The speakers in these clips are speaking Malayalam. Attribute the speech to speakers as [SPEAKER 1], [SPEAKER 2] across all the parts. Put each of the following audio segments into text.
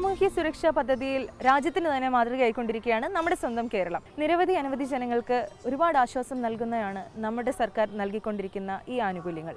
[SPEAKER 1] സാമൂഹ്യ സുരക്ഷാ പദ്ധതിയിൽ രാജ്യത്തിന് തന്നെ മാതൃകയായിക്കൊണ്ടിരിക്കുകയാണ് നമ്മുടെ സ്വന്തം കേരളം. നിരവധി അനവധി ജനങ്ങൾക്ക് ഒരുപാട് ആശ്വാസം നൽകുന്നതാണ് നമ്മുടെ സർക്കാർ നൽകിക്കൊണ്ടിരിക്കുന്ന ഈ ആനുകൂല്യങ്ങൾ.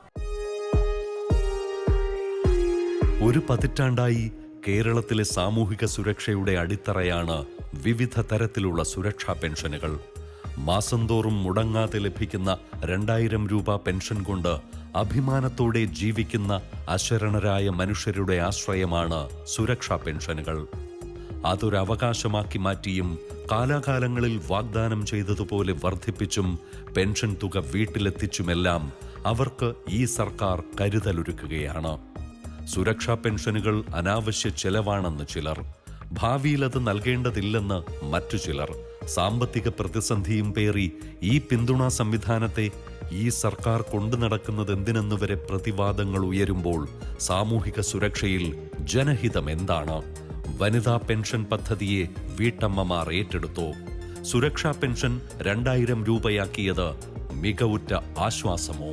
[SPEAKER 2] ഒരു പതിറ്റാണ്ടായി കേരളത്തിലെ സാമൂഹിക സുരക്ഷയുടെ അടിത്തറയാണ് വിവിധ തരത്തിലുള്ള സുരക്ഷാ പെൻഷനുകൾ. മാസം തോറും മുടങ്ങാതെ ലഭിക്കുന്ന 2000 രൂപ പെൻഷൻ കൊണ്ട് അഭിമാനത്തോടെ ജീവിക്കുന്ന അശരണരായ മനുഷ്യരുടെ ആശ്രയമാണ് സുരക്ഷാ പെൻഷനുകൾ. അതൊരവകാശമാക്കി മാറ്റിയും കാലാകാലങ്ങളിൽ വാഗ്ദാനം ചെയ്തതുപോലെ വർദ്ധിപ്പിച്ചും പെൻഷൻ തുക വീട്ടിലെത്തിച്ചുമെല്ലാം അവർക്ക് ഈ സർക്കാർ കരുതലൊരുക്കുകയാണ്. സുരക്ഷാ പെൻഷനുകൾ അനാവശ്യ ചെലവാണെന്ന് ചിലർ, ഭാവിയിൽ അത് നൽകേണ്ടതില്ലെന്ന് മറ്റു ചിലർ. സാമ്പത്തിക പ്രതിസന്ധിയും പേറി ഈ പിന്തുണാ സംവിധാനത്തെ ഈ സർക്കാർ കൊണ്ടു നടക്കുന്നത് എന്തിനെന്നുവരെ പ്രതിവാദങ്ങൾ ഉയരുമ്പോൾ സാമൂഹിക സുരക്ഷയിൽ ജനഹിതം എന്താണ്? വനിതാ പെൻഷൻ പദ്ധതിയെ വീട്ടമ്മമാർ ഏറ്റെടുത്തോ? സുരക്ഷാ പെൻഷൻ 2000 രൂപയാക്കിയത് മികവുറ്റ ആശ്വാസമോ?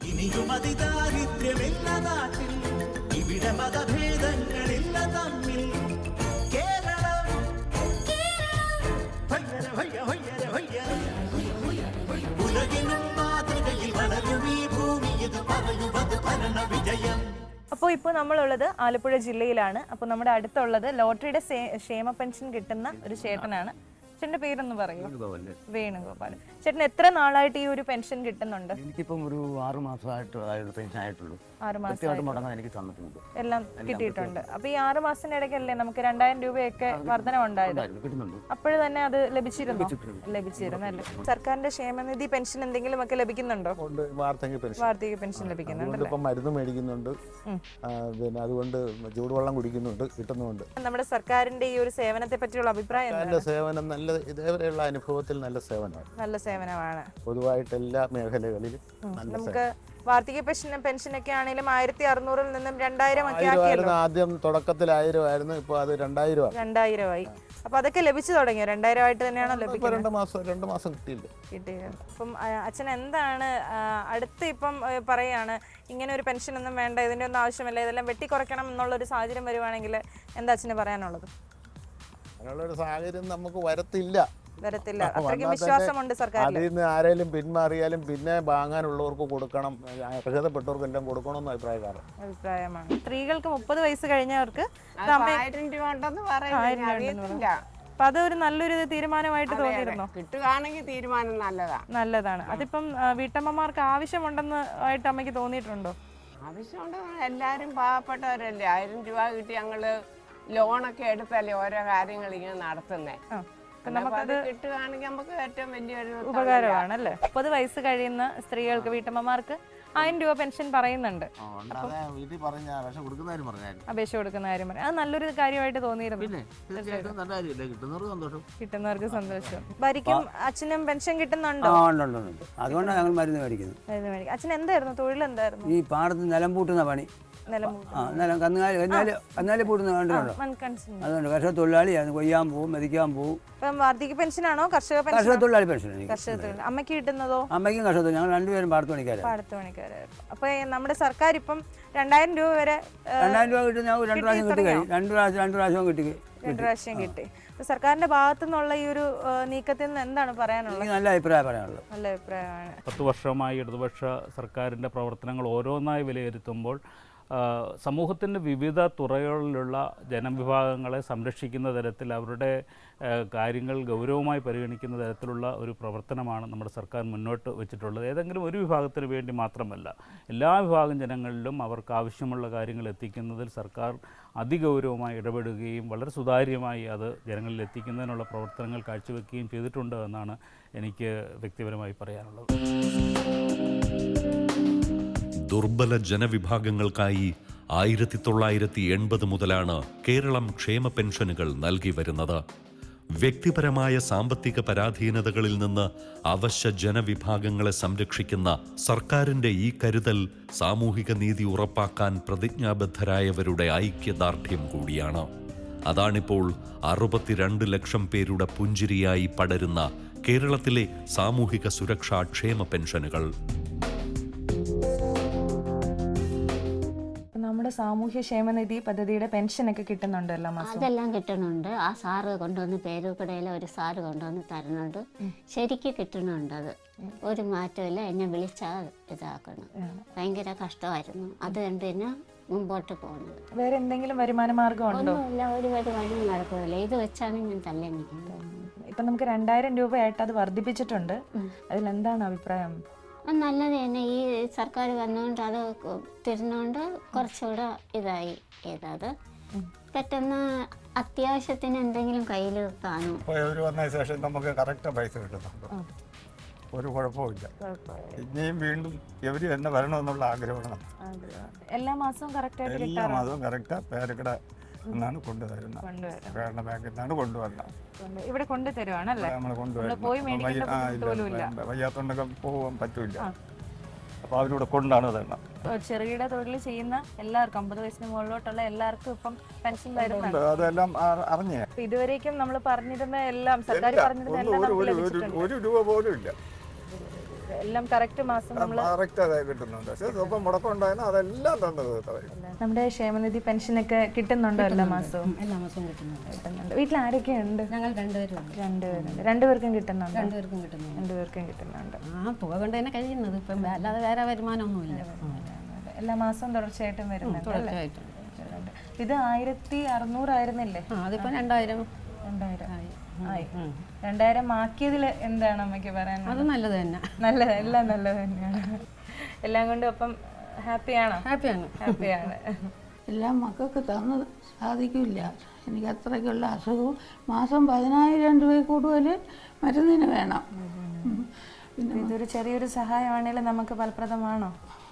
[SPEAKER 1] അപ്പോൾ ഇപ്പോൾ നമ്മളുള്ളത് ആലപ്പുഴ ജില്ലയിലാണ്. അപ്പോൾ നമ്മുടെ അടുത്തുള്ളത് ലോട്ടറിയുടെ ക്ഷേമ പെൻഷൻ കിട്ടുന്ന ഒരു ചേട്ടനാണ്. ചേട്ടന്റെ പേരൊന്ന് പറയൂ. വേണുഗോപാൽ. ചേട്ടൻ എത്ര നാളായിട്ട് ഈ ഒരു പെൻഷൻ കിട്ടുന്നുണ്ട്?
[SPEAKER 3] എനിക്കിപ്പം ഒരു 6 മാസമായിട്ട് പെൻഷൻ ആയിട്ടുള്ളൂ.
[SPEAKER 1] 6 മാസം
[SPEAKER 3] എനിക്ക് തന്നിട്ടുണ്ട്,
[SPEAKER 1] എല്ലാം കിട്ടിയിട്ടുണ്ട്. അപ്പൊ ഈ 6 മാസത്തിനിടയ്ക്കല്ലേ നമുക്ക് 2000 രൂപയൊക്കെ വർധനവുണ്ടായത്? അപ്പോഴ് തന്നെ അത് ലഭിച്ചിരുന്നു അല്ലേ? സർക്കാരിന്റെ ക്ഷേമനിധി പെൻഷൻ എന്തെങ്കിലും ഒക്കെ ലഭിക്കുന്നുണ്ടോ? വാർദ്ധക്യ പെൻഷൻ ലഭിക്കുന്നുണ്ട്,
[SPEAKER 4] മരുന്ന് മേടിക്കുന്നുണ്ട്, പിന്നെ അതുകൊണ്ട് ചൂടുവെള്ളം കുടിക്കുന്നുണ്ട്, കിട്ടുന്നുണ്ട്.
[SPEAKER 1] നമ്മുടെ സർക്കാരിന്റെ ഈ ഒരു സേവനത്തെ പറ്റിയുള്ള അഭിപ്രായം?
[SPEAKER 4] സേവനം നല്ല, ഇതേവരെയുള്ള അനുഭവത്തിൽ നല്ല
[SPEAKER 1] സേവനമാണ്
[SPEAKER 4] പൊതുവായിട്ട് എല്ലാ മേഖലകളിലും.
[SPEAKER 1] നമുക്ക് വാർദ്ധക്യ പെൻഷനൊക്കെ ആണെങ്കിലും 1600 നിന്നും 2000 ഒക്കെ ആക്കിയല്ലോ.
[SPEAKER 4] ആദ്യം തുടക്കത്തിൽ 1000 ആയിരുന്നു, ഇപ്പൊ അത് 2000
[SPEAKER 1] ആയി. അപ്പൊ അതൊക്കെ ലഭിച്ചു തുടങ്ങിയോ? 2000 ആയിട്ട് തന്നെയാണോ ലഭിക്കുന്നത്?
[SPEAKER 4] 2 മാസം കിട്ടിയില്ല.
[SPEAKER 1] അപ്പം അച്ഛൻ എന്താണ് അടുത്ത് ഇപ്പം പറയാണ് ഇങ്ങനെ ഒരു പെൻഷൻ ഒന്നും വേണ്ട, ഇതിന്റെ ഒന്നും ആവശ്യമില്ല, ഇതെല്ലാം വെട്ടിക്കുറയ്ക്കണം എന്നുള്ളൊരു സാഹചര്യം വരുവാണെങ്കിൽ എന്താ അച്ഛന് പറയാനുള്ളത്?
[SPEAKER 4] അങ്ങനെയുള്ളൊരു സാഹചര്യം നമുക്ക് വരത്തില്ല.
[SPEAKER 1] അത്രയ്ക്കും വിശ്വാസമുണ്ട് സർക്കാരിൽ.
[SPEAKER 4] അതിൽ നിന്ന് ആരെങ്കിലും പിന്മാറിയാലും പിന്നെ വാങ്ങാനുള്ളവർക്ക് കൊടുക്കണം, അർഹതപ്പെട്ടവർക്കെല്ലാം കൊടുക്കണമെന്ന് അഭിപ്രായമാണ്.
[SPEAKER 1] സ്ത്രീകൾക്ക് 30 വയസ്സ് കഴിഞ്ഞവർക്ക്
[SPEAKER 5] 1000 രൂപ ഉണ്ടെന്ന് പറയുന്നില്ല.
[SPEAKER 1] അപ്പൊ അതൊരു നല്ലൊരു തീരുമാനമായിട്ട് തോന്നിയിരുന്നോ?
[SPEAKER 5] കിട്ടുകയാണെങ്കിൽ തീരുമാനം
[SPEAKER 1] നല്ലതാണ്. അതിപ്പം വീട്ടമ്മമാർക്ക് ആവശ്യമുണ്ടെന്ന് ആയിട്ട് അമ്മയ്ക്ക് തോന്നിയിട്ടുണ്ടോ?
[SPEAKER 5] ആവശ്യമുണ്ടെന്ന്, എല്ലാരും പാവപ്പെട്ടവരല്ലേ. 1000 രൂപ കിട്ടി ഞങ്ങള് ലോണൊക്കെ എടുത്തല്ലേ ഓരോ കാര്യങ്ങൾ ഇങ്ങനെ നടത്തുന്നേ. നമുക്കത് കിട്ടുകയാണെങ്കിൽ നമുക്ക് ഏറ്റവും വലിയൊരു
[SPEAKER 1] ഉപകാരമാണ് അല്ലേ? 30 വയസ്സ് കഴിയുന്ന സ്ത്രീകൾക്ക്, വീട്ടമ്മമാർക്ക് 1000 രൂപ പെൻഷൻ പറയുന്നുണ്ട്. അപേക്ഷ കൊടുക്കുന്ന കാര്യം പറയാം. അത് നല്ലൊരു കാര്യമായിട്ട് തോന്നിയിരുന്നു. കിട്ടുന്നവർക്ക് സന്തോഷം. ഭാര്യയ്ക്കും അച്ഛനും പെൻഷൻ കിട്ടുന്നുണ്ടോ?
[SPEAKER 3] അതുകൊണ്ടാണ് ഞങ്ങൾ മരുന്ന് മേടിക്കുന്നത്.
[SPEAKER 1] അച്ഛൻ എന്തായിരുന്നു തൊഴിൽ? എന്തായിരുന്നു?
[SPEAKER 3] ഈ പാടത്ത് നിലം പൂട്ടുന്ന പണി. കന്നുകാലി പൂട്ടുന്ന കണ്ടിട്ടുണ്ടോ? അതുകൊണ്ട് കർഷക തൊഴിലാളിയാണ്. കൊയ്യാൻ പോവും, മെതിക്കാൻ പോവും.
[SPEAKER 1] വാർദ്ധക്യ പെൻഷനാണോ കർഷക
[SPEAKER 3] തൊഴിലാളി പെൻഷൻ?
[SPEAKER 1] അമ്മയ്ക്ക് കിട്ടുന്നതോ?
[SPEAKER 3] അമ്മയ്ക്കും കർഷക തൊഴിൽ. ഞങ്ങൾ രണ്ടുപേരും പാടത്ത്
[SPEAKER 1] പണിക്കാരായിരുന്നു. അപ്പൊ നമ്മുടെ സർക്കാർ ഇപ്പം 2000 രൂപ വരെ
[SPEAKER 3] 2000 രൂപ കിട്ടും. ഞാൻ 2 പ്രാവശ്യം കിട്ടി കഴിഞ്ഞു. 2 പ്രാവശ്യം
[SPEAKER 1] കിട്ടി. സർക്കാരിന്റെ ഭാഗത്തു നിന്നുള്ള ഈ ഒരു നീക്കത്തിൽ നിന്ന് എന്താണ് പറയാനുള്ളത്?
[SPEAKER 3] നല്ല അഭിപ്രായം പറയാനുള്ളത്.
[SPEAKER 1] നല്ല അഭിപ്രായമാണ്.
[SPEAKER 6] 10 വർഷമായി ഇടതുപക്ഷ സർക്കാരിൻ്റെ പ്രവർത്തനങ്ങൾ ഓരോന്നായി വിലയിരുത്തുമ്പോൾ സമൂഹത്തിൻ്റെ വിവിധ തുറകളിലുള്ള ജനവിഭാഗങ്ങളെ സംരക്ഷിക്കുന്ന തരത്തിൽ അവരുടെ കാര്യങ്ങൾ ഗൗരവമായി പരിഗണിക്കുന്ന തരത്തിലുള്ള ഒരു പ്രവർത്തനമാണ് നമ്മുടെ സർക്കാർ മുന്നോട്ട് വെച്ചിട്ടുള്ളത്. ഏതെങ്കിലും ഒരു വിഭാഗത്തിന് വേണ്ടി മാത്രമല്ല, എല്ലാ വിഭാഗം ജനങ്ങളിലും അവർക്ക് ആവശ്യമുള്ള കാര്യങ്ങൾ എത്തിക്കുന്നതിൽ സർക്കാർ അതിഗൗരവമായി ഇടപെടുകയും വളരെ സുതാര്യമായി അത് ജനങ്ങളിൽ എത്തിക്കുന്നതിനുള്ള പ്രവർത്തനങ്ങൾ കാഴ്ചവെക്കുകയും ചെയ്തിട്ടുണ്ട് എന്നാണ് എനിക്ക് വ്യക്തിപരമായി പറയാനുള്ളത്.
[SPEAKER 2] ദുർബല ജനവിഭാഗങ്ങൾക്കായി 1980 മുതലാണ് കേരളം ക്ഷേമ പെൻഷനുകൾ നൽകി വരുന്നത്. വ്യക്തിപരമായ സാമ്പത്തിക പരാധീനതകളിൽ നിന്ന് അവശ്യ ജനവിഭാഗങ്ങളെ സംരക്ഷിക്കുന്ന സർക്കാരിന്റെ ഈ കരുതൽ സാമൂഹിക നീതി ഉറപ്പാക്കാൻ പ്രതിജ്ഞാബദ്ധരായവരുടെ ഐക്യദാർഢ്യം കൂടിയാണ്. അതാണിപ്പോൾ 62 ലക്ഷം പേരുടെ പുഞ്ചിരിയായി പടരുന്ന കേരളത്തിലെ സാമൂഹിക സുരക്ഷാ ക്ഷേമ പെൻഷനുകൾ.
[SPEAKER 1] നമ്മുടെ സാമൂഹ്യ ക്ഷേമനിധി പദ്ധതിയുടെ പെൻഷനൊക്കെ കിട്ടുന്നുണ്ടോ എല്ലാ മാസം?
[SPEAKER 7] അതെല്ലാം കിട്ടുന്നുണ്ട്. ആ സാറ് കൊണ്ടുവന്ന് പേരൂക്കടയിലെ ഒരു സാറ് കൊണ്ടുവന്ന് തരുന്നുണ്ട്. ശരിക്കും കിട്ടുന്നുണ്ട്. അത് ഒരു മാറ്റമില്ല. എന്നെ വിളിച്ചാൽ ഇതാക്കണം. ഭയങ്കര കഷ്ടമായിരുന്നു. അത് കണ്ട് തന്നെ മുമ്പോട്ട് പോകുന്നത്.
[SPEAKER 1] വേറെ എന്തെങ്കിലും വരുമാന മാർഗം ഉണ്ടോ?
[SPEAKER 7] ഒന്നുമില്ല, ഒരു വരുമാനം നടക്കുന്നില്ല. ഇത് വെച്ചാണ് ഞാൻ തല്ലെനിക്കുന്നത്.
[SPEAKER 1] ഇപ്പൊ നമുക്ക് 2000 രൂപയായിട്ട് അത് വർദ്ധിപ്പിച്ചിട്ടുണ്ട്. അതിലെന്താണ് അഭിപ്രായം?
[SPEAKER 7] നല്ലത് തന്നെ. ഈ സർക്കാർ വന്നുകൊണ്ട് അത് തരുന്നോണ്ട് കുറച്ചുകൂടെ ഇതായി ഏതാത് പെട്ടെന്ന് അത്യാവശ്യത്തിന് എന്തെങ്കിലും കയ്യിൽ കാണും.
[SPEAKER 8] ഇവർ വന്ന ശേഷം നമുക്ക് കറക്റ്റ് പൈസ കിട്ടുന്നുണ്ട്. ഒരു കുഴപ്പമില്ല. ഇനിയും വീണ്ടും ഇവർ തന്നെ വരണമെന്നുള്ള ആഗ്രഹമാണ്.
[SPEAKER 1] എല്ലാ മാസവും കറക്റ്റായിട്ട്
[SPEAKER 8] എല്ലാ മാസവും കറക്റ്റ് പേരക്കട എന്നാണ് കൊണ്ടുതരുന്നത്. കേരള ബാങ്കിൽ നിന്നാണ് കൊണ്ടുവരുന്നത്.
[SPEAKER 1] ഇവിടെ കൊണ്ടുതരുവാണല്ലേ?
[SPEAKER 8] നമ്മൾ കൊണ്ടുവരുന്നത്. വയ്യാത്തോണ്ടൊക്കെ പോകാൻ പറ്റൂല. അപ്പോൾ അവരിവിടെ കൊണ്ടാണ് തരണം.
[SPEAKER 1] ചെറുകിട തൊഴിൽ ചെയ്യുന്ന എല്ലാവർക്കും 50 വയസ്സിന് മുകളിലോട്ടുള്ള എല്ലാവർക്കും ഇപ്പം പെൻഷൻ വരുന്നുണ്ട്.
[SPEAKER 8] അതെല്ലാം അറിഞ്ഞേ.
[SPEAKER 1] ഇതുവരേക്കും നമ്മൾ പറഞ്ഞിരുന്ന എല്ലാം സർക്കാർ പറഞ്ഞിരുന്ന എല്ലാം
[SPEAKER 8] ഒരു രൂപ പോലും ഇല്ല.
[SPEAKER 1] എല്ലാം കറക്റ്റ് മാസം നമ്മൾ
[SPEAKER 8] കറക്റ്റ് അതായത് കിട്ടുന്നുണ്ട്. പക്ഷേ സ്വപ്പം മുടക്കം ഉണ്ടായിരുന്ന അതെല്ലാം തന്നത്.
[SPEAKER 1] നമ്മുടെ ക്ഷേമനിധി പെൻഷനൊക്കെ കിട്ടുന്നുണ്ടോ എല്ലാ മാസവും?
[SPEAKER 9] എല്ലാ മാസവും കിട്ടുന്നുണ്ട്.
[SPEAKER 1] വീട്ടിൽ ആരൊക്കെയുണ്ട്?
[SPEAKER 9] ഞങ്ങൾ രണ്ടുപേരുണ്ട്.
[SPEAKER 1] രണ്ടുപേർക്കും കിട്ടുന്നുണ്ട്.
[SPEAKER 9] രണ്ടുപേർക്കും കിട്ടുന്നുണ്ട്. ആ തുക കൊണ്ട് തന്നെ കഴിയുന്നത്. ഇപ്പം അല്ലാതെ വേറെ വരുമാനമൊന്നുമില്ല.
[SPEAKER 1] എല്ലാ മാസവും തുടർച്ചയായിട്ടും വരുന്നുണ്ട്. ഇത് 1600 ആയിരുന്നില്ലേ?
[SPEAKER 9] അതിപ്പോ 2000
[SPEAKER 1] ആയി. 2000 ആക്കിയതിൽ എന്താണ് അമ്മയ്ക്ക് പറയാൻ?
[SPEAKER 9] അത് നല്ലത് തന്നെ.
[SPEAKER 1] നല്ലത്, എല്ലാം നല്ലത് തന്നെയാണ്. എല്ലാം കൊണ്ടും അപ്പം ഹാപ്പിയാണോ? ഹാപ്പിയാണ്.
[SPEAKER 10] എല്ലാം മക്കൾക്ക് തന്നത് സാധിക്കില്ല. എനിക്ക് അത്രയ്ക്കുള്ള അസുഖവും മാസം 10000 രൂപ കൂടുതൽ മരുന്നിന് വേണം.
[SPEAKER 1] പിന്നെ ഇതൊരു ചെറിയൊരു സഹായമാണെങ്കിലും നമുക്ക് ഫലപ്രദമാണോ?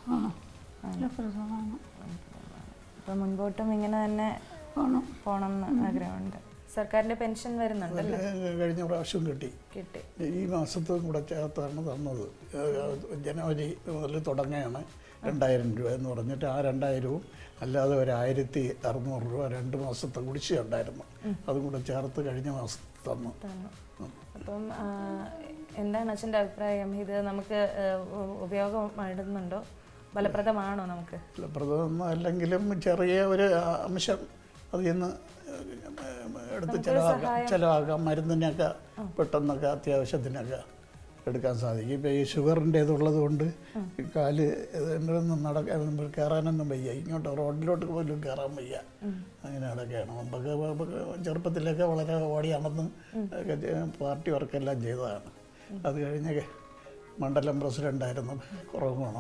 [SPEAKER 10] ഫലപ്രദമാണ്.
[SPEAKER 1] അപ്പം മുൻപോട്ടും ഇങ്ങനെ തന്നെ പോകണം എന്ന് ആഗ്രഹമുണ്ട്. സർക്കാരിന്റെ പെൻഷൻ വരുന്നുണ്ടല്ലോ?
[SPEAKER 11] കഴിഞ്ഞ പ്രാവശ്യം കിട്ടി. ഈ മാസത്തും കൂടെ ചേർത്താണ് തന്നത്. ജനുവരി മുതൽ തുടങ്ങുകയാണ് 2000 രൂപ എന്ന് പറഞ്ഞിട്ട് ആ 2000വും അല്ലാതെ ഒരു 1600 രൂപ 2 മാസത്തെ കുടിശ്ശിക ഉണ്ടായിരുന്നു. അതും കൂടെ ചേർത്ത് കഴിഞ്ഞ മാസം തന്നു.
[SPEAKER 1] അപ്പം എന്താണ് അച്ഛൻ്റെ അഭിപ്രായം? ഇത് നമുക്ക് ഉപയോഗപ്പെടുന്നുണ്ടോ? ഫലപ്രദമാണോ? നമുക്ക്
[SPEAKER 11] ഫലപ്രദം അല്ലെങ്കിലും ചെറിയ ഒരു അംശം അതിൽ നിന്ന് എടുത്ത് ചിലവാക്കാം. മരുന്നിനൊക്കെ പെട്ടെന്നൊക്കെ അത്യാവശ്യത്തിനൊക്കെ എടുക്കാൻ സാധിക്കും. ഇപ്പോൾ ഈ ഷുഗറിൻ്റെ ഇതുള്ളത് കൊണ്ട് കാല് ഒന്നും കയറാനൊന്നും വയ്യ. ഇങ്ങോട്ട് റോഡിലോട്ട് പോലും കയറാൻ വയ്യ. അങ്ങനെ അതൊക്കെയാണ്. മുമ്പൊക്കെ ചെറുപ്പത്തിലൊക്കെ വളരെ ഓടി നടന്ന് പാർട്ടി വർക്കെല്ലാം ചെയ്തതാണ്. അത് കഴിഞ്ഞ് മണ്ഡലം പ്രസിഡൻ്റായിരുന്നു. കുറവാണ്.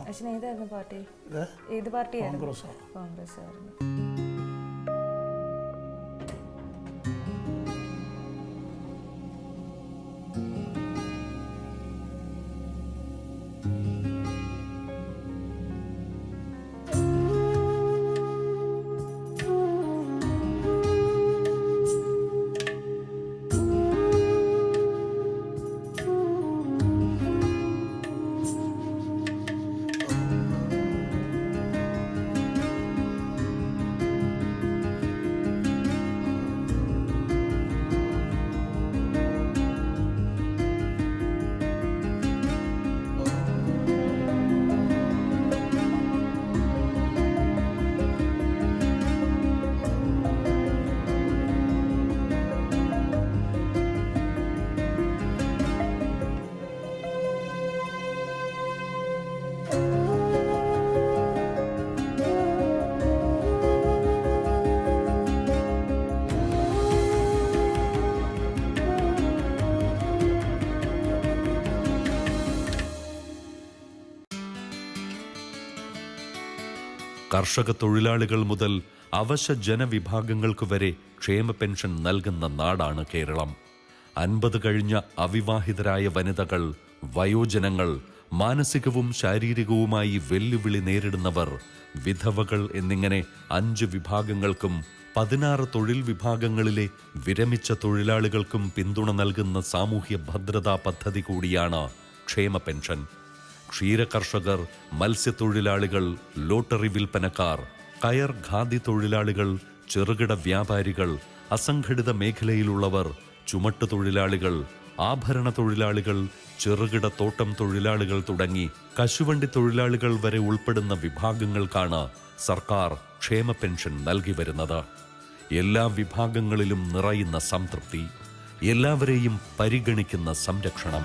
[SPEAKER 1] കോൺഗ്രസ്.
[SPEAKER 2] കർഷക തൊഴിലാളികൾ മുതൽ അവശ ജനവിഭാഗങ്ങൾക്ക് വരെ ക്ഷേമ പെൻഷൻ നൽകുന്ന നാടാണ് കേരളം. 50 കഴിഞ്ഞ അവിവാഹിതരായ വനിതകൾ, വയോജനങ്ങൾ, മാനസികവും ശാരീരികവുമായി വെല്ലുവിളി നേരിടുന്നവർ, വിധവകൾ എന്നിങ്ങനെ 5 വിഭാഗങ്ങൾക്കും 16 തൊഴിൽ വിഭാഗങ്ങളിലെ വിരമിച്ച തൊഴിലാളികൾക്കും പിന്തുണ നൽകുന്ന സാമൂഹ്യ ഭദ്രതാ പദ്ധതി കൂടിയാണ് ക്ഷേമ പെൻഷൻ. ക്ഷീരകർഷകർ, മത്സ്യത്തൊഴിലാളികൾ, ലോട്ടറി വിൽപ്പനക്കാർ, കയർ ഖാദി തൊഴിലാളികൾ, ചെറുകിട വ്യാപാരികൾ, അസംഘടിത മേഖലയിലുള്ളവർ, ചുമട്ടുതൊഴിലാളികൾ, ആഭരണ തൊഴിലാളികൾ, ചെറുകിട തോട്ടം തൊഴിലാളികൾ തുടങ്ങി കശുവണ്ടി തൊഴിലാളികൾ വരെ ഉൾപ്പെടുന്ന വിഭാഗങ്ങൾക്കാണ് സർക്കാർ ക്ഷേമ പെൻഷൻ നൽകി വരുന്നത്. എല്ലാ വിഭാഗങ്ങളിലും നിറയുന്ന സംതൃപ്തി, എല്ലാവരെയും പരിഗണിക്കുന്ന സംരക്ഷണം.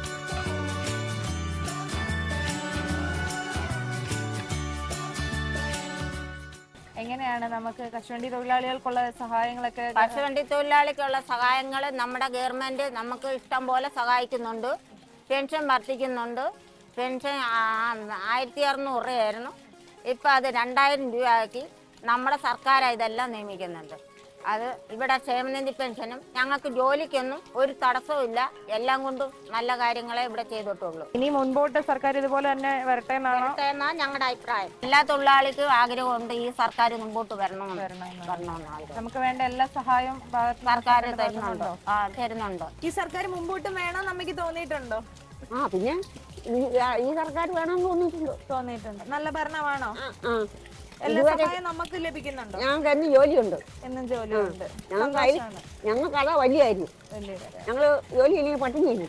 [SPEAKER 1] എങ്ങനെയാണ് നമുക്ക് കശുവണ്ടി തൊഴിലാളികൾക്കുള്ള സഹായങ്ങളൊക്കെ?
[SPEAKER 12] കശുവണ്ടി തൊഴിലാളിക്കുള്ള സഹായങ്ങൾ നമ്മുടെ ഗവൺമെൻറ് നമുക്ക് ഇഷ്ടം പോലെ സഹായിക്കുന്നുണ്ട്. പെൻഷൻ വർദ്ധിക്കുന്നുണ്ട്. പെൻഷൻ 1600 രൂപയായിരുന്നു, ഇപ്പം അത് 2000 രൂപയാക്കി നമ്മുടെ സർക്കാരാണ് ഇതെല്ലാം നിയമിക്കുന്നുണ്ട്. അത് ഇവിടെ ക്ഷേമനിധി പെൻഷനും ഞങ്ങൾക്ക് ജോലിക്കൊന്നും ഒരു തടസ്സവും, എല്ലാം കൊണ്ടും നല്ല കാര്യങ്ങളെ ഇവിടെ ചെയ്തിട്ടുള്ളൂ.
[SPEAKER 1] ഇനി മുൻപോട്ട് സർക്കാർ ഇതുപോലെ തന്നെ വരട്ടെ എന്നാണ്
[SPEAKER 12] ഞങ്ങളുടെ അഭിപ്രായം. എല്ലാ തൊഴിലാളിക്കും ആഗ്രഹമുണ്ട് ഈ സർക്കാർ മുമ്പോട്ട് വരണമെന്നാണ്.
[SPEAKER 1] നമുക്ക് വേണ്ട എല്ലാ സഹായവും
[SPEAKER 12] സർക്കാർ തരുന്നുണ്ടോ? തരുന്നുണ്ടോ?
[SPEAKER 1] ഈ സർക്കാർ മുമ്പോട്ട് വേണം നമുക്ക് തോന്നിയിട്ടുണ്ടോ?
[SPEAKER 12] പിന്നെ ഈ സർക്കാർ വേണമെന്ന് തോന്നിയിട്ടുണ്ട്.
[SPEAKER 1] നല്ല ഭരണമാണോ? എല്ലാ സഹായം നമുക്ക് ലഭിക്കുന്നുണ്ടോ?
[SPEAKER 12] ഞങ്ങൾക്ക് എന്നും ജോലിയുണ്ട്.
[SPEAKER 1] എന്നും ജോലിയുണ്ട്.
[SPEAKER 12] ഞങ്ങൾക്ക് അതാ വലിയ കാര്യം. ഞങ്ങള് ജോലി ഇല്ലെങ്കിൽ പട്ടിണിയാണ്.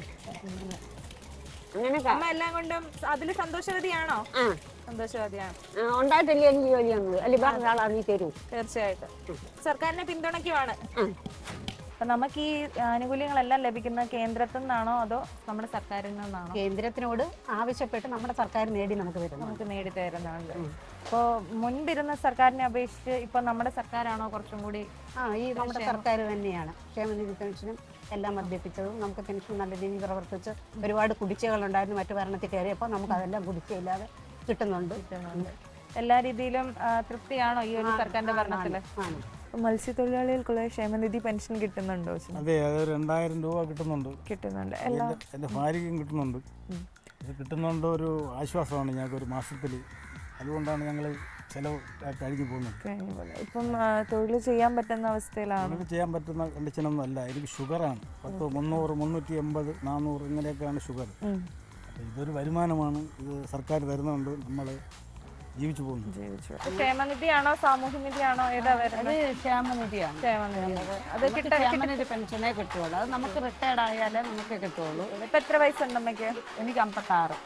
[SPEAKER 1] അമ്മ എല്ലാം കൊണ്ടും അതിൽ സന്തോഷവതിയാണോ? സന്തോഷവതിയാണ്.
[SPEAKER 12] ഉണ്ടായിട്ടല്ലേ എനിക്ക് ജോലി വന്നത്, അല്ലെ വേറെ ആളാണ് നീ തരൂ.
[SPEAKER 1] തീർച്ചയായിട്ടും സർക്കാരിനെ പിന്തുണയ്ക്കുവാണ്. അപ്പൊ നമുക്ക് ഈ ആനുകൂല്യങ്ങളെല്ലാം ലഭിക്കുന്നത് കേന്ദ്രത്തിൽ നിന്നാണോ അതോ നമ്മുടെ സർക്കാരിൽ നിന്നാണോ?
[SPEAKER 9] കേന്ദ്രത്തിനോട് ആവശ്യപ്പെട്ട് നമ്മുടെ സർക്കാർ നേടി നമുക്ക്
[SPEAKER 1] നേടി തരുന്നുണ്ട്. അപ്പോൾ മുൻപിരുന്ന സർക്കാരിനെ അപേക്ഷിച്ച് ഇപ്പൊ നമ്മുടെ സർക്കാരാണോ കുറച്ചും കൂടി?
[SPEAKER 9] ഈ നമ്മുടെ സർക്കാർ തന്നെയാണ് ക്ഷേമനിധി പെൻഷനും എല്ലാം വർദ്ധിപ്പിച്ചതും. നമുക്ക് പെൻഷൻ നല്ല രീതിയിൽ പ്രവർത്തിച്ച് ഒരുപാട് കുടിശ്ശികളുണ്ടായിരുന്നു മറ്റു ഭരണത്തിൽ കയറിയപ്പോൾ നമുക്ക് അതെല്ലാം കുടിശ്ശില്ലാതെ കിട്ടുന്നുണ്ട്.
[SPEAKER 1] എല്ലാ രീതിയിലും തൃപ്തിയാണോ ഈ ഒരു സർക്കാരിന്റെ ഭരണത്തില്? മത്സ്യത്തൊഴിലാളികൾക്കുള്ള ക്ഷേമനിധി പെൻഷൻ കിട്ടുന്നുണ്ടോ?
[SPEAKER 8] അതെ, അത് 2000 രൂപ കിട്ടുന്നുണ്ട്. എൻ്റെ ഭാര്യയ്ക്കും കിട്ടുന്നുണ്ട്. ഇത് കിട്ടുന്നുണ്ട്, ഒരു ആശ്വാസമാണ് ഞങ്ങൾക്ക് ഒരു മാസത്തിൽ. അതുകൊണ്ടാണ് ഞങ്ങൾ ചിലവ് കഴിഞ്ഞു പോകുന്നത്.
[SPEAKER 1] ഇപ്പം തൊഴിൽ ചെയ്യാൻ പറ്റുന്ന അവസ്ഥയിലാണ്?
[SPEAKER 8] തൊഴിൽ ചെയ്യാൻ പറ്റുന്ന കണ്ടീഷനൊന്നും അല്ല. എനിക്ക് ഷുഗറാണ്. 10, 300, 380, 400 ഇങ്ങനെയൊക്കെയാണ് ഷുഗർ. അപ്പോൾ ഇതൊരു വരുമാനമാണ്. ഇത് സർക്കാർ തരുന്നുണ്ട്, നമ്മൾ ജീവിച്ചു പോകുന്നു.
[SPEAKER 1] ക്ഷേമനിധിയാണോ സാമൂഹ്യനിധിയാണോ ഏതാ വരുന്നത്?
[SPEAKER 9] ക്ഷേമനിധിയാണ്.
[SPEAKER 1] അത്
[SPEAKER 9] ക്ഷേമനിധി പെൻഷനേ കിട്ടുള്ളൂ. അത് നമുക്ക് റിട്ടയർഡ് ആയാലേ നമുക്ക് കിട്ടുള്ളൂ.
[SPEAKER 1] ഇപ്പൊ എത്ര വയസ്സുണ്ട് അമ്മയ്ക്ക്?
[SPEAKER 9] എനിക്ക് 56.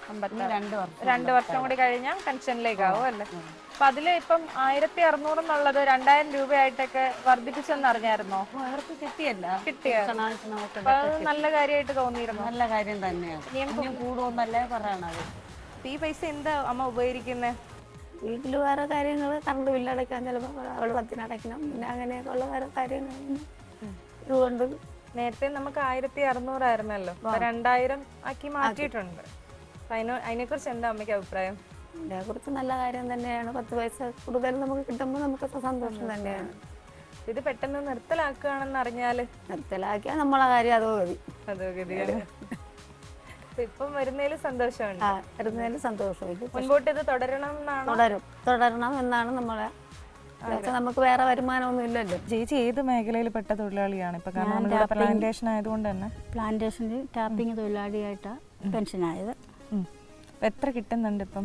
[SPEAKER 1] 2 വർഷം കൂടി കഴിഞ്ഞാൽ പെൻഷനിലേക്കാവും അല്ലേ? അപ്പൊ അതില് ഇപ്പം 1600 എന്നുള്ളത് 2000 രൂപയായിട്ടൊക്കെ വർദ്ധിപ്പിച്ചെന്ന് അറിഞ്ഞായിരുന്നോ?
[SPEAKER 9] അവർക്ക് കിട്ടിയല്ല,
[SPEAKER 1] അപ്പൊ അത് നല്ല കാര്യമായിട്ട് തോന്നിയിരുന്നു.
[SPEAKER 9] നല്ല കാര്യം തന്നെയാണ്. ഇനിയും കൂടുമെന്നല്ലേ പറയണത്.
[SPEAKER 1] ഈ പൈസ എന്താ അമ്മ ഉപകരിക്കുന്നത്?
[SPEAKER 10] വീട്ടിൽ വേറെ കാര്യങ്ങൾ, കറണ്ട് ബില്ലടയ്ക്കാൻ ചിലപ്പോൾ അവൾ 10 അടയ്ക്കണം, പിന്നെ അങ്ങനെയൊക്കെ ഉള്ള വേറെ കാര്യങ്ങൾ. ഇതുകൊണ്ട്
[SPEAKER 1] നേരത്തെ നമുക്ക് 1600 ആയിരുന്നല്ലോ, 2000 ആക്കി മാറ്റിയിട്ടുണ്ട്. അതിനെക്കുറിച്ച് എന്താ അമ്മയ്ക്ക് അഭിപ്രായം?
[SPEAKER 10] ഇതിനെക്കുറിച്ച് നല്ല കാര്യം തന്നെയാണ്. 10 പൈസ കൂടുതൽ നമുക്ക് കിട്ടുമ്പോൾ നമുക്ക് സന്തോഷം തന്നെയാണ്.
[SPEAKER 1] ഇത് പെട്ടെന്ന് നിർത്തലാക്കുകയാണെന്ന് അറിഞ്ഞാൽ?
[SPEAKER 10] നിർത്തലാക്കിയാൽ നമ്മളെ കാര്യം
[SPEAKER 1] അതോ ഗതിയാണ്. ഇപ്പം വരുന്നതിൽ സന്തോഷമുണ്ട്.
[SPEAKER 10] വരുന്നതിൽ സന്തോഷമില്ല.
[SPEAKER 1] മുൻപോട്ട് ഇത് തുടരണം
[SPEAKER 10] എന്നാണ് നമ്മളെ. നമുക്ക് വേറെ വരുമാനമൊന്നും ഇല്ലല്ലോ.
[SPEAKER 1] ചേച്ചി ഏത് മേഖലയിൽ പെട്ട തൊഴിലാളിയാണ് ഇപ്പൊ? കാരണം നമ്മളിവിടെ പ്ലാന്റേഷൻ ആയതുകൊണ്ട് തന്നെ.
[SPEAKER 7] പ്ലാന്റേഷനിൽ ടാപ്പിംഗ് തൊഴിലാളിയായിട്ടാണ് പെൻഷനായത്.
[SPEAKER 1] എത്ര കിട്ടുന്നുണ്ട് ഇപ്പം?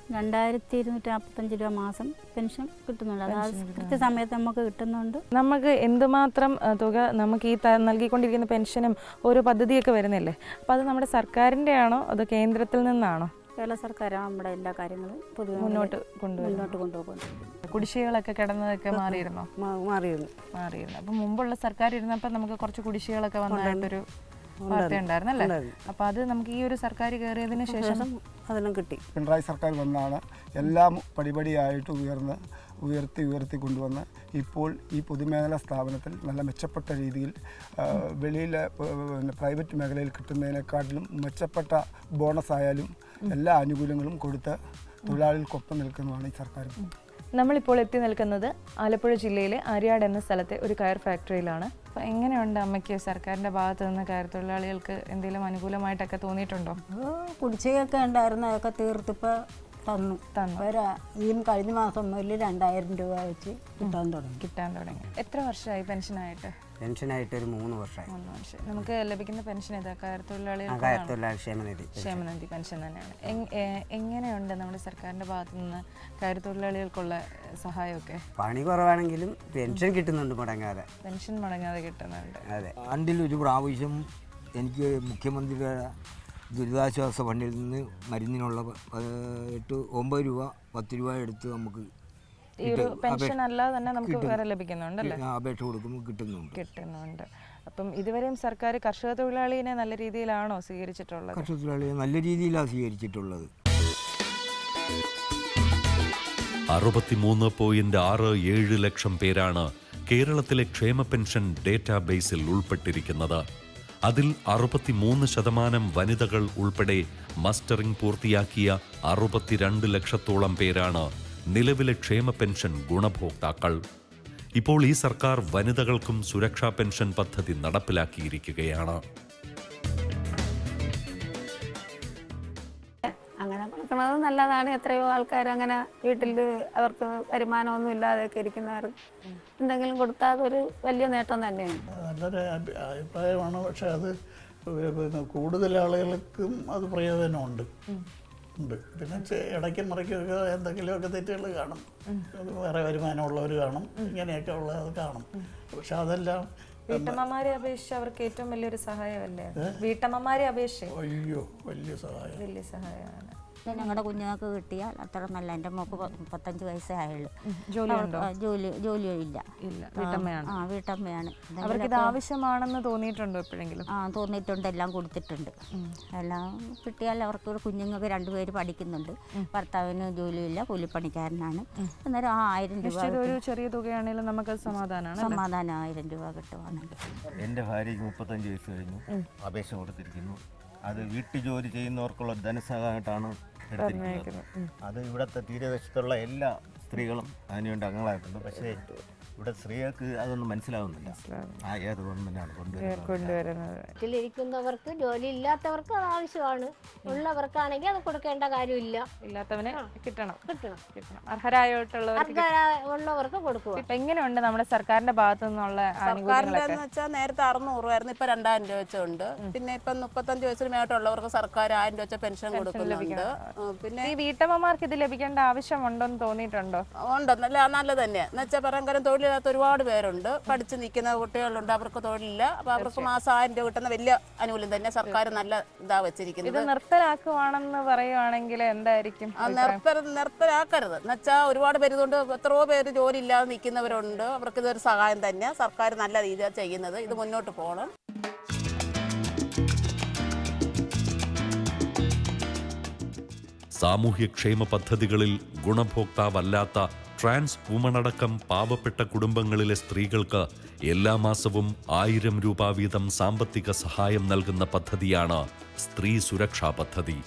[SPEAKER 7] 2245 രൂപ മാസം പെൻഷൻ കിട്ടുന്നുണ്ട്. അതായത് കൃത്യസമയത്ത് നമുക്ക് കിട്ടുന്നുണ്ട്.
[SPEAKER 1] നമുക്ക് എന്തുമാത്രം തുക നമുക്ക് ഈ നൽകിക്കൊണ്ടിരിക്കുന്ന പെൻഷനും ഓരോ പദ്ധതിയൊക്കെ വരുന്നില്ലേ? അപ്പം അത് നമ്മുടെ സർക്കാരിൻ്റെ ആണോ അതോ കേന്ദ്രത്തിൽ നിന്നാണോ?
[SPEAKER 7] കേരള സർക്കാരാണ് നമ്മുടെ എല്ലാ കാര്യങ്ങളും പൊതുവെ
[SPEAKER 1] മുന്നോട്ട് കൊണ്ടുപോകുന്നത്. കുടിശ്ശികളൊക്കെ കിടന്നതൊക്കെ മാറിയിരുന്നു. അപ്പം മുമ്പുള്ള സർക്കാർ ഇരുന്നപ്പോൾ നമുക്ക് കുറച്ച് കുടിശ്ശികളൊക്കെ വന്നതായിട്ടൊരു വാർത്ത ഉണ്ടായിരുന്നല്ലേ? അപ്പൊ അത് നമുക്ക് ഈ ഒരു സർക്കാർ കയറിയതിന് ശേഷം
[SPEAKER 9] അതെല്ലാം കിട്ടി.
[SPEAKER 8] പിണറായി സർക്കാർ വന്നാണ് എല്ലാം പടിപടിയായിട്ട് ഉയർത്തി കൊണ്ടുവന്ന് ഇപ്പോൾ ഈ പൊതുമേഖലാ സ്ഥാപനത്തിൽ നല്ല മെച്ചപ്പെട്ട രീതിയിൽ വെളിയിലെ പ്രൈവറ്റ് മേഖലയിൽ കിട്ടുന്നതിനെക്കാട്ടിലും മെച്ചപ്പെട്ട ബോണസ് ആയാലും എല്ലാ ആനുകൂല്യങ്ങളും കൊടുത്ത് തൊഴിലാളികൾക്കൊപ്പം നിൽക്കുന്നതാണ് ഈ സർക്കാർ.
[SPEAKER 1] നമ്മളിപ്പോൾ എത്തി നിൽക്കുന്നത് ആലപ്പുഴ ജില്ലയിലെ ആര്യാട് എന്ന സ്ഥലത്തെ ഒരു കയർ ഫാക്ടറിയിലാണ്. അപ്പോൾ എങ്ങനെയുണ്ട് അമ്മയ്ക്ക് സർക്കാരിൻ്റെ ഭാഗത്ത് നിന്ന് കയർ തൊഴിലാളികൾക്ക് എന്തെങ്കിലും അനുകൂലമായിട്ടൊക്കെ തോന്നിയിട്ടുണ്ടോ?
[SPEAKER 9] കുടിശ്ശികയൊക്കെ ഉണ്ടായിരുന്നു, അതൊക്കെ തീർത്തിപ്പോൾ തന്നു. ഈ കഴിഞ്ഞ മാസം മുതൽ 2000 രൂപ വെച്ച് കിട്ടാൻ തുടങ്ങി.
[SPEAKER 1] എത്ര വർഷമായി പെൻഷനായിട്ട്?
[SPEAKER 3] പെൻഷനായിട്ട് ഒരു 3 വർഷമായി.
[SPEAKER 1] നമുക്ക് ലഭിക്കുന്ന പെൻഷൻ ഏതാ? കയർ തൊഴിലാളി ക്ഷേമനിധി പെൻഷൻ തന്നെയാണ്. എങ്ങനെയുണ്ട് നമ്മുടെ സർക്കാരിൻ്റെ ഭാഗത്തു നിന്ന് കയർ തൊഴിലാളികൾക്കുള്ള സഹായമൊക്കെ?
[SPEAKER 3] പണി കുറവാണെങ്കിലും പെൻഷൻ കിട്ടുന്നുണ്ട്,
[SPEAKER 1] പെൻഷൻ മുടങ്ങാതെ കിട്ടുന്നുണ്ട്.
[SPEAKER 3] അതെ, ആണ്ടിലൊരു പ്രാവശ്യം എനിക്ക് മുഖ്യമന്ത്രിയുടെ ദുരിതാശ്വാസ ഫണ്ടിൽ നിന്ന് മരുന്നിനുള്ള 9 രൂപ 10 രൂപ എടുത്ത് നമുക്ക്
[SPEAKER 1] ഈ ഒരു പെൻഷൻ അല്ലാതെ തന്നെ നമുക്ക് വേറെ ലഭിക്കുന്നുണ്ടല്ലേ?
[SPEAKER 3] അപേക്ഷ കൊടുക്കുമ്പോൾ കിട്ടുന്നുണ്ട്.
[SPEAKER 1] അപ്പം ഇതുവരെയും സർക്കാർ കർഷക തൊഴിലാളിയെ നല്ല രീതിയിലാണോ സ്വീകരിച്ചിട്ടുള്ളത്?
[SPEAKER 3] കർഷക തൊഴിലാളിയെ നല്ല രീതിയിലാണ് സ്വീകരിച്ചിട്ടുള്ളത്.
[SPEAKER 2] 63.67 ലക്ഷം പേരാണ് കേരളത്തിലെ ക്ഷേമ പെൻഷൻ ഡേറ്റാബേസിൽ ഉൾപ്പെട്ടിരിക്കുന്നത്. അതിൽ 63% വനിതകൾ ഉൾപ്പെടെ മസ്റ്ററിംഗ് പൂർത്തിയാക്കിയ 62 ലക്ഷത്തോളം പേരാണ് നിലവിലെ ക്ഷേമ പെൻഷൻ ഗുണഭോക്താക്കൾ. ഇപ്പോൾ ഈ സർക്കാർ വനിതകൾക്കും സുരക്ഷാ പെൻഷൻ പദ്ധതി നടപ്പിലാക്കിയിരിക്കുകയാണ്.
[SPEAKER 10] അങ്ങനെ കൊടുക്കുന്നത് നല്ലതാണ്. എത്രയോ ആൾക്കാർ അങ്ങനെ വീട്ടിൽ അവർക്ക് വരുമാനമൊന്നും ഇല്ലാതെയൊക്കെ ഇരിക്കുന്നവർ എന്തെങ്കിലും കൊടുത്താൽ അതൊരു വലിയ നേട്ടം തന്നെയാണ്.
[SPEAKER 11] നല്ലൊരു അഭിപ്രായമാണ്. പക്ഷെ അത് പിന്നെ കൂടുതൽ ആളുകൾക്കും അത് പ്രയോജനമുണ്ട്. പിന്നെ ഇടയ്ക്ക് മറിക്കൊക്കെ എന്തെങ്കിലുമൊക്കെ തെറ്റുകൾ കാണും. അത് വേറെ വരുമാനമുള്ളവർ കാണും, ഇങ്ങനെയൊക്കെ ഉള്ളത് കാണും. പക്ഷെ അതെല്ലാം
[SPEAKER 1] വീട്ടമ്മമാരെ അപേക്ഷിച്ച് അവർക്ക് ഏറ്റവും വലിയൊരു സഹായമല്ലേ? വീട്ടമ്മമാരെ അപേക്ഷിച്ച്
[SPEAKER 11] അയ്യോ വലിയ
[SPEAKER 1] സഹായമാണ്.
[SPEAKER 7] ഞങ്ങളുടെ കുഞ്ഞുങ്ങൾക്ക് കിട്ടിയാൽ അത്ര നല്ല. എൻ്റെ മോക്ക് 35 വയസ്സേ ആയുള്ളൂ. ജോലിയില്ല. വീട്ടമ്മയാണ്.
[SPEAKER 1] അവർക്ക് ഇത് ആവശ്യമാണെന്ന് തോന്നിയിട്ടുണ്ടോ എപ്പോഴെങ്കിലും?
[SPEAKER 7] തോന്നിയിട്ടുണ്ട്. എല്ലാം കൊടുത്തിട്ടുണ്ട്. എല്ലാം കിട്ടിയാൽ അവർക്ക് കുഞ്ഞുങ്ങൾക്ക് 2 പേര് പഠിക്കുന്നുണ്ട്. ഭർത്താവിന് ജോലിയില്ല, കൂലിപ്പണിക്കാരനാണ്. അന്നേരം 1000 രൂപ
[SPEAKER 1] ഒരു ചെറിയ തുകയാണെങ്കിലും നമുക്ക് സമാധാനം
[SPEAKER 7] 1000 രൂപ കിട്ടുവാണെങ്കിൽ.
[SPEAKER 13] എൻ്റെ ഭാര്യയ്ക്ക് 35 വയസ്സ് കഴിഞ്ഞു. അപേക്ഷ കൊടുത്തിരിക്കുന്നു. അത് വീട്ടു ജോലി ചെയ്യുന്നവർക്കുള്ള ധനസഹായമായിട്ടാണ് എടുത്തിരിക്കുന്നത്. അത് ഇവിടുത്തെ തീരദേശത്തുള്ള എല്ലാ സ്ത്രീകളും അതിനുവേണ്ടി അംഗങ്ങളായിട്ടുണ്ട്. പക്ഷേ ഇവിടെ സ്ത്രീകൾക്ക് അതൊന്നും മനസ്സിലാവുന്നില്ല. ഏത് ഗവൺമെന്റാണ്
[SPEAKER 1] കൊണ്ടുവരുന്നത്?
[SPEAKER 14] വീട്ടിലിരിക്കുന്നവർക്ക്, ജോലി ഇല്ലാത്തവർക്ക് അത് ആവശ്യമാണ്. ഉള്ളവർക്കാണെങ്കിൽ അത് കൊടുക്കേണ്ട കാര്യമില്ല.
[SPEAKER 1] ഇല്ലാത്തവനെ കിട്ടണം. അർഹരായിട്ടുള്ളവർക്ക്
[SPEAKER 14] കൊടുക്കുക.
[SPEAKER 1] ഇപ്പൊ എങ്ങനെയുണ്ട് നമ്മുടെ സർക്കാരിന്റെ ഭാഗത്തു നിന്നുള്ള?
[SPEAKER 9] സർക്കാരിന്റെ വെച്ചാൽ നേരത്തെ 600 ആയിരുന്നു, ഇപ്പൊ 2000 രൂപ വെച്ചുണ്ട്. പിന്നെ ഇപ്പൊ 35 വയസ്സിന് മേട്ടുള്ളവർക്ക് സർക്കാർ 1000 രൂപ വെച്ച പെൻഷൻ കൊടുക്കുന്നുണ്ട്. പിന്നെ
[SPEAKER 1] ഈ വീട്ടമ്മമാർക്ക് ഇത് ലഭിക്കേണ്ട ആവശ്യമുണ്ടോന്ന് തോന്നിയിട്ടുണ്ടോ?
[SPEAKER 9] ഉണ്ടെന്നല്ല, നല്ലത് തന്നെയാണ്. എന്നുവെച്ചാൽ പരമ്പരം തൊഴിലില്ലാത്ത ഒരുപാട് പേരുണ്ട്. പഠിച്ച് നിൽക്കുന്ന കുട്ടികളുണ്ട്, അവർക്ക് തൊഴിലില്ല. അപ്പൊ അവർക്ക് മാസം 1000 രൂപ കിട്ടുന്ന വലിയ ആനുകൂല്യം തന്നെ സർക്കാർ നല്ല ഇതാ വെച്ചിരിക്കുന്നത്.
[SPEAKER 1] ഇത് നിർത്തലാക്കുവാണെന്ന് പറയുവാണെങ്കിൽ എന്തായിരിക്കും?
[SPEAKER 9] നിർത്തലാക്കരുത്. എന്നുവെച്ചാൽ ഒരുപാട് പേര് ഇതുകൊണ്ട് എത്രയോ പേര് ജോലി ഇല്ലാതെ നിൽക്കുന്നവരുണ്ട്. അവർക്ക് ഇതൊരു സഹായം തന്നെ. സർക്കാർ നല്ല രീതിയിൽ ചെയ്യുന്നത്. ഇത് മുന്നോട്ട് പോകണം.
[SPEAKER 2] സാമൂഹ്യക്ഷേമ പദ്ധതികളിൽ ഗുണഭോക്താവല്ലാത്ത ട്രാൻസ് വുമണടക്കം പാവപ്പെട്ട കുടുംബങ്ങളിലെ സ്ത്രീകൾക്ക് എല്ലാ മാസവും 1000 രൂപ വീതം സാമ്പത്തിക സഹായം നൽകുന്ന പദ്ധതിയാണ് സ്ത്രീ സുരക്ഷാ പദ്ധതി.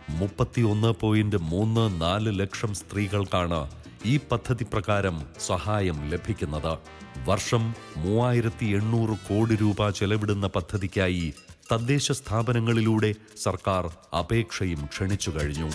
[SPEAKER 2] 31.34 ലക്ഷം സ്ത്രീകൾക്കാണ് ഈ പദ്ധതി പ്രകാരം സഹായം ലഭിക്കുന്നത്. വർഷം 3800 കോടി രൂപ ചെലവിടുന്ന പദ്ധതിക്കായി തദ്ദേശ സ്ഥാപനങ്ങളിലൂടെ സർക്കാർ അപേക്ഷയും ക്ഷണിച്ചു കഴിഞ്ഞു.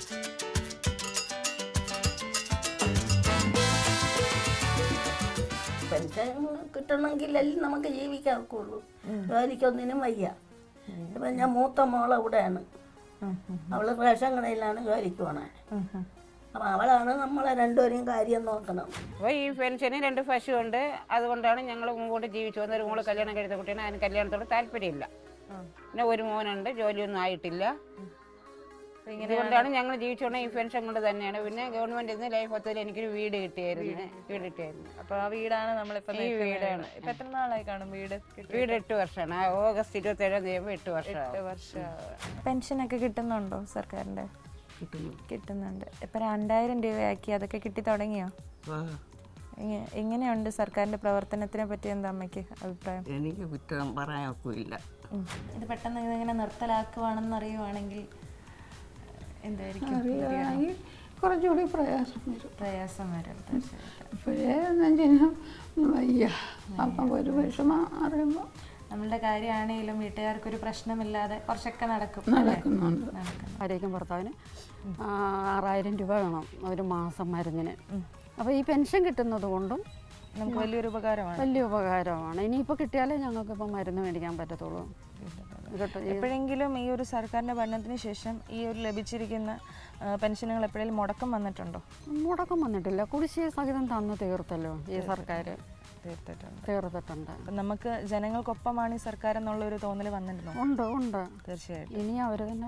[SPEAKER 15] പെൻഷൻ കിട്ടണമെങ്കിലല്ലേ നമുക്ക് ജീവിക്കാക്കുള്ളൂ. ജോലിക്കൊന്നിനും വയ്യ. ഇപ്പം ഞാൻ മൂത്ത മോൾ അവിടെയാണ്. അവള് റേഷൻ കടയിലാണ് ജോലിക്ക് പോണേ. അപ്പം അവളാണ് നമ്മളെ രണ്ടുപേരെയും കാര്യം നോക്കണം.
[SPEAKER 5] അപ്പോൾ ഈ പെൻഷന് 2 പശുവുണ്ട്. അതുകൊണ്ടാണ് ഞങ്ങൾ മുമ്പോട്ട് ജീവിച്ചു വന്നത്. ഒരു മോള് കല്യാണം കഴിച്ച കുട്ടിയാണ്. അതിന് കല്യാണത്തോട് താല്പര്യമില്ല. പിന്നെ ഒരു മോനുണ്ട്, ജോലിയൊന്നും ആയിട്ടില്ല. ഇതുകൊണ്ടാണ് ഞങ്ങൾ ജീവിച്ചുകൊണ്ട് ഈ പെൻഷൻ കൊണ്ട് തന്നെയാണ്. പിന്നെ ഗവൺമെന്റിൽ നിന്ന് ലൈഫ് പദ്ധതിയിൽ എനിക്കൊരു വീട് കിട്ടിയായിരുന്നു.
[SPEAKER 1] അപ്പൊ ആ വീടാണ് നമ്മളിപ്പോ
[SPEAKER 5] ഈ വീടാണ്.
[SPEAKER 1] ഇപ്പൊ എത്ര നാളായി കാണും വീട്?
[SPEAKER 5] വീട് 8 വർഷമാണ്. ഓഗസ്റ്റ് 27 തീയതി 8 വർഷം.
[SPEAKER 1] പെൻഷനൊക്കെ കിട്ടുന്നുണ്ടോ സർക്കാരിന്റെ? കിട്ടുന്നുണ്ട്. ഇപ്പൊ 2000 രൂപയാക്കി. അതൊക്കെ കിട്ടി തുടങ്ങിയോ? എങ്ങനെയുണ്ട് സർക്കാരിന്റെ പ്രവർത്തനത്തിനെ പറ്റി? എന്താ അമ്മയ്ക്ക് അഭിപ്രായം?
[SPEAKER 15] എനിക്ക് കുറ്റം പറയാനില്ല.
[SPEAKER 1] ഇത് പെട്ടെന്ന് ഇതിങ്ങനെ നിർത്തലാക്കുവാണെന്ന് അറിയുവാണെങ്കിൽ എന്തായിരിക്കും?
[SPEAKER 10] കുറച്ചുകൂടി
[SPEAKER 1] പ്രയാസം വരും.
[SPEAKER 10] ഇപ്പോഴേ നെഞ്ചിന് വയ്യ. അപ്പം ഒരു വിഷമം അറിയുമ്പോൾ
[SPEAKER 1] നമ്മളുടെ കാര്യമാണെങ്കിലും വീട്ടുകാർക്കൊരു പ്രശ്നമില്ലാതെ കുറച്ചൊക്കെ
[SPEAKER 10] നടക്കുന്നുണ്ട്.
[SPEAKER 16] ഭാര്യയ്ക്കും ഭർത്താവിന് 6000 രൂപ വേണം ഒരു മാസം മരുന്നിന്. അപ്പോൾ ഈ പെൻഷൻ കിട്ടുന്നത് കൊണ്ടും
[SPEAKER 1] നമുക്ക് വലിയ
[SPEAKER 16] ഉപകാരമാണ്. ഇനിയിപ്പോൾ കിട്ടിയാലേ ഞങ്ങൾക്കിപ്പോൾ മരുന്ന് മേടിക്കാൻ പറ്റത്തുള്ളൂ.
[SPEAKER 1] എപ്പോഴെങ്കിലും ഈ ഒരു സർക്കാരിൻ്റെ ഭരണത്തിന് ശേഷം ഈ ഒരു ലഭിച്ചിരിക്കുന്ന പെൻഷനുകൾ എപ്പോഴെങ്കിലും മുടക്കം വന്നിട്ടുണ്ടോ?
[SPEAKER 16] മുടക്കം വന്നിട്ടില്ല. കുടിശ്ശിക സഹിതം തന്നു തീർത്തല്ലോ ഈ സർക്കാർ.
[SPEAKER 1] തീർത്തിട്ടുണ്ട്. അപ്പം നമുക്ക് ജനങ്ങൾക്കൊപ്പമാണ് ഈ സർക്കാർ എന്നുള്ളൊരു തോന്നൽ വന്നിട്ടുണ്ടോ?
[SPEAKER 16] ഉണ്ട്.
[SPEAKER 1] തീർച്ചയായിട്ടും.
[SPEAKER 16] ഇനി അവർ തന്നെ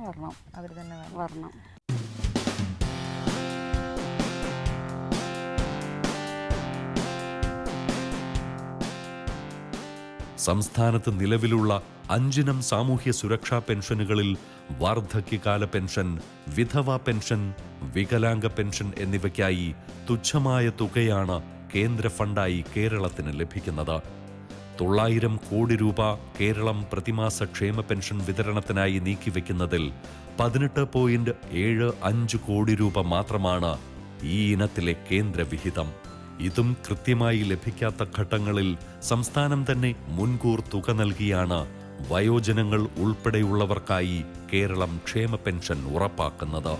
[SPEAKER 16] വരണം.
[SPEAKER 2] സംസ്ഥാനത്ത് നിലവിലുള്ള 5 ഇനം സാമൂഹ്യ സുരക്ഷാ പെൻഷനുകളിൽ വാർദ്ധക്യകാല പെൻഷൻ, വിധവാ പെൻഷൻ, വികലാംഗ പെൻഷൻ എന്നിവയ്ക്കായി തുച്ഛമായ തുകയാണ് കേന്ദ്ര ഫണ്ടായി കേരളത്തിന് ലഭിക്കുന്നത്. 900 കോടി രൂപ കേരളം പ്രതിമാസ ക്ഷേമ പെൻഷൻ വിതരണത്തിനായി നീക്കിവെക്കുന്നതിൽ 18.75 കോടി രൂപ മാത്രമാണ് ഈ ഇനത്തിലെ കേന്ദ്ര വിഹിതം. ഇതും കൃത്യമായി ലഭിക്കാത്ത ഘട്ടങ്ങളിൽ സംസ്ഥാനം തന്നെ മുൻകൂർ തുക നൽകിയാണ് വയോജനങ്ങൾ ഉൾപ്പെടെയുള്ളവർക്കായി കേരളം ക്ഷേമ പെൻഷൻ ഉറപ്പാക്കുന്നത്.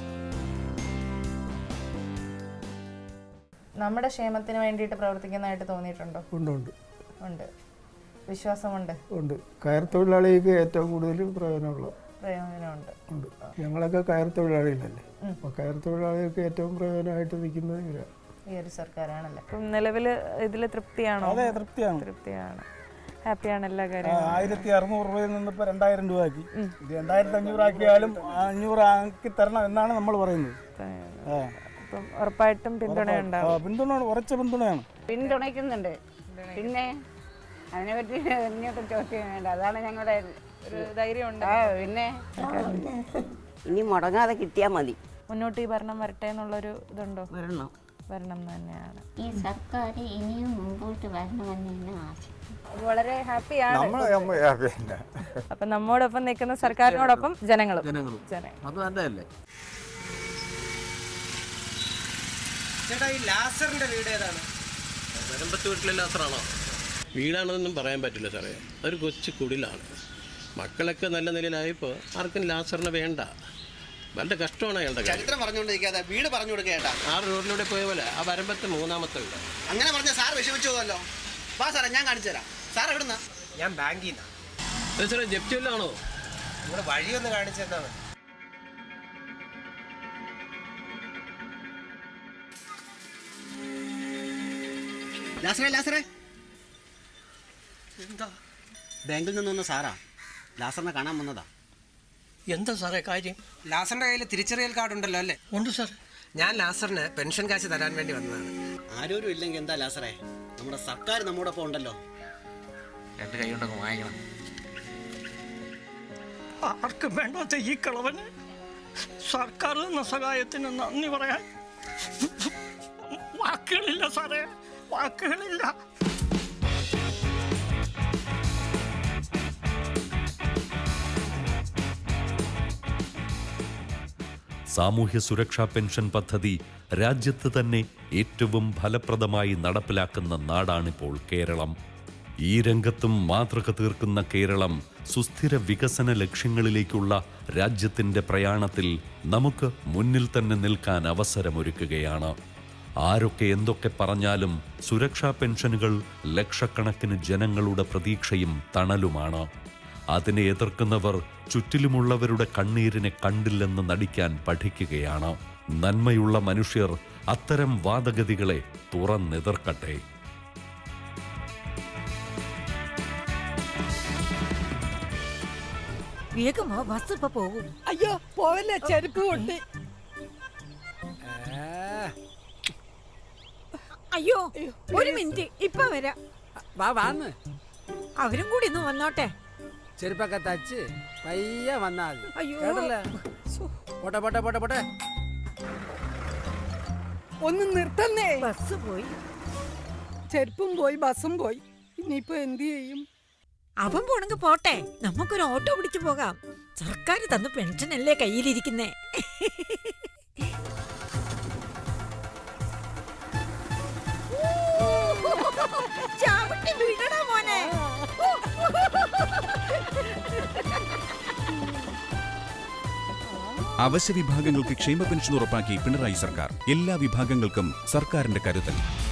[SPEAKER 1] നമ്മുടെ ക്ഷേമത്തിന് വേണ്ടിയിട്ട് പ്രവർത്തിക്കുന്നതായിട്ട് തോന്നിയിട്ടുണ്ടോ? ഉണ്ട്. വിശ്വാസമുണ്ട്.
[SPEAKER 8] കയർ തൊഴിലാളിക്ക് ഏറ്റവും കൂടുതൽ പ്രയോജനമുണ്ട്. ഞങ്ങളൊക്കെ കയർ തൊഴിലാളികളല്ലേ, അപ്പോൾ കയർ തൊഴിലാളികൾക്ക് ഏറ്റവും പ്രയോജനമായിട്ട് നിൽക്കുന്നത് ഇവരാണ്.
[SPEAKER 1] ഈ ഒരു സർക്കാരാണല്ലേ. അപ്പം നിലവിൽ ഇതിൽ തൃപ്തിയാണോ?
[SPEAKER 8] അതെ,
[SPEAKER 1] തൃപ്തിയാണ്. ഹാപ്പിയാണ് എല്ലാ കാര്യങ്ങളും.
[SPEAKER 8] 1600 രൂപയിൽ നിന്ന് ഇപ്പോൾ 2000 രൂപ ആക്കി. ഇത് 2500 ആക്കിയാലും 500 ആക്കി തരണം എന്നാണ് നമ്മൾ പറയുന്നത്.
[SPEAKER 1] അപ്പം ഉറപ്പായിട്ടും പിന്തുണയുണ്ടാവും.
[SPEAKER 8] പിന്തുണ, ഉറച്ച പിന്തുണയാണ്.
[SPEAKER 5] പിന്തുണയ്ക്കുന്നുണ്ട്. പിന്നെ അതിനെപ്പറ്റി ഇങ്ങോട്ട് ചോദ്യം വേണ്ട. അതാണ് ഞങ്ങളുടെ
[SPEAKER 1] ഒരു ധൈര്യമുണ്ട്.
[SPEAKER 5] പിന്നെ
[SPEAKER 17] ഇനി മുടങ്ങാതെ കിട്ടിയാൽ മതി.
[SPEAKER 1] മുന്നോട്ട് ഈ ഭരണം വരട്ടെ എന്നുള്ളൊരു ഇതുണ്ടോ? വരണം തന്നെയാണ്.
[SPEAKER 7] ഈ സർക്കാർ ഇനിയും മുമ്പോട്ട് വരണമെന്ന് തന്നെ ആശ.
[SPEAKER 1] വളരെ ഹാപ്പിയാണ്. അപ്പൊ നമ്മോടൊപ്പം നിൽക്കുന്ന സർക്കാരിനോടൊപ്പം ജനങ്ങളും.
[SPEAKER 18] അത് നല്ലതല്ലേ?
[SPEAKER 19] ചേട്ടാ, ഈ ലാസറിന്റെ വീട് ഏതാണ്?
[SPEAKER 18] വരമ്പത്ത് വീട്ടിലെ ലാസറാണോ? വീടാണെന്നൊന്നും പറയാൻ പറ്റില്ല സാറേ. അതൊരു കൊച്ചു കുടിലാണ്. മക്കളൊക്കെ നല്ല നിലയിലായപ്പോൾ ആർക്കും ലാസറിനെ വേണ്ട. വളരെ കഷ്ടമാണ് അയാളുടെ
[SPEAKER 19] ചരിത്രം പറഞ്ഞുകൊണ്ടിരിക്കാതെ വീട് പറഞ്ഞു കൊടുക്കേട്ടാ.
[SPEAKER 18] 6 റോഡിലൂടെ പോയ പോലെ ആ വരമ്പത്ത് 3ാമത്തെ വീട്.
[SPEAKER 19] അങ്ങനെ പറഞ്ഞ സാർ വിഷമിച്ചു പോകല്ലോ. വാ സാറേ, ഞാൻ കാണിച്ചു തരാം. സാർ എവിടുന്നാ? ഞാൻ ബാങ്കിൽ നിന്നാ.
[SPEAKER 18] സാറേ, ജപ്തി വല്ലതാണോ?
[SPEAKER 19] നിങ്ങളുടെ വഴിയൊന്ന് കാണിച്ചു തന്നാണ്. ലാസറേ
[SPEAKER 18] എന്താ?
[SPEAKER 19] ബാങ്കിൽ നിന്ന് വന്ന സാറാ. ലാസറിനെ കാണാൻ വന്നതാ.
[SPEAKER 18] എന്താ സാറേ കാര്യം?
[SPEAKER 19] ലാസറിന്റെ കയ്യിൽ തിരിച്ചറിയൽ കാർഡ് ഉണ്ടല്ലോ അല്ലേ?
[SPEAKER 18] ഉണ്ട് സാർ.
[SPEAKER 19] ഞാൻ ലാസറിന് പെൻഷൻ കാശ് തരാൻ വേണ്ടി വന്നതാണ്. ആരോരും ഇല്ലെങ്കിൽ എന്താ ലാസറേ, നമ്മുടെ സർക്കാർ നമ്മോടൊപ്പം ഉണ്ടല്ലോ.
[SPEAKER 18] 2 കൈ കൊണ്ടൊക്കെ വാങ്ങിക്കണം.
[SPEAKER 20] ആർക്കും വേണ്ടാത്ത ഈ കളവന് സർക്കാർ എന്ന സഹായത്തിന് നന്ദി പറയാൻ വാക്കുകളില്ല സാറേ, വാക്കുകളില്ല.
[SPEAKER 2] സാമൂഹ്യ സുരക്ഷാ പെൻഷൻ പദ്ധതി രാജ്യത്ത് തന്നെ ഏറ്റവും ഫലപ്രദമായി നടപ്പിലാക്കുന്ന നാടാണിപ്പോൾ കേരളം. ഈ രംഗത്തും മാതൃക തീർക്കുന്ന കേരളം സുസ്ഥിര വികസന ലക്ഷ്യങ്ങളിലേക്കുള്ള രാജ്യത്തിൻ്റെ പ്രയാണത്തിൽ നമുക്ക് മുന്നിൽ തന്നെ നിൽക്കാൻ അവസരമൊരുക്കുകയാണ്. ആരൊക്കെ എന്തൊക്കെ പറഞ്ഞാലും സുരക്ഷാ പെൻഷനുകൾ ലക്ഷക്കണക്കിന് ജനങ്ങളുടെ പ്രതീക്ഷയും തണലുമാണ്. അതിനെ എതിർക്കുന്നവർ ചുറ്റിലുമുള്ളവരുടെ കണ്ണീരിനെ കണ്ടില്ലെന്ന് നടിക്കാൻ പഠിക്കുകയാണ്. നന്മയുള്ള മനുഷ്യർ അത്തരം വാദഗതികളെ തുറന്നെതിർക്കട്ടെ.
[SPEAKER 21] വേഗമാ, ബസ് ഇപ്പൊ പോകും.
[SPEAKER 22] അയ്യോ പോവല്ലേ, ചെരുപ്പ് കൊണ്ടി.
[SPEAKER 21] അയ്യോ ഒരു മിനിറ്റ്, ഇപ്പൊ വരാം.
[SPEAKER 22] വാന്ന്
[SPEAKER 21] അവരും കൂടി ഒന്ന് വന്നോട്ടെ.
[SPEAKER 22] ചെരുപ്പൊക്കെ തച്ച് പയ്യെ വന്നാ മതി.
[SPEAKER 21] അയ്യോ
[SPEAKER 22] പോട്ടെ പോട്ടെ പോട്ടെ പോട്ടെ. ഒന്ന് നിർത്തന്നേ.
[SPEAKER 21] ബസ് പോയി,
[SPEAKER 22] ചെരുപ്പും പോയി, ബസ്സും പോയി. ഇനിയിപ്പോ എന്ത് ചെയ്യും?
[SPEAKER 21] അവൻ പോണെങ്കിൽ പോട്ടെ, നമുക്കൊരു ഓട്ടോ പിടിച്ചു പോകാം. സർക്കാർ തന്ന പെൻഷനല്ലേ കയ്യിലിരിക്കുന്നേ. ചാവട്ടി വീഴടാ മോനെ.
[SPEAKER 23] അവശ്യ വിഭാഗങ്ങൾക്ക് ക്ഷേമ പെൻഷൻ ഉറപ്പാക്കി പിണറായി സർക്കാർ. എല്ലാ വിഭാഗങ്ങൾക്കും സർക്കാരിന്റെ കരുതൽ.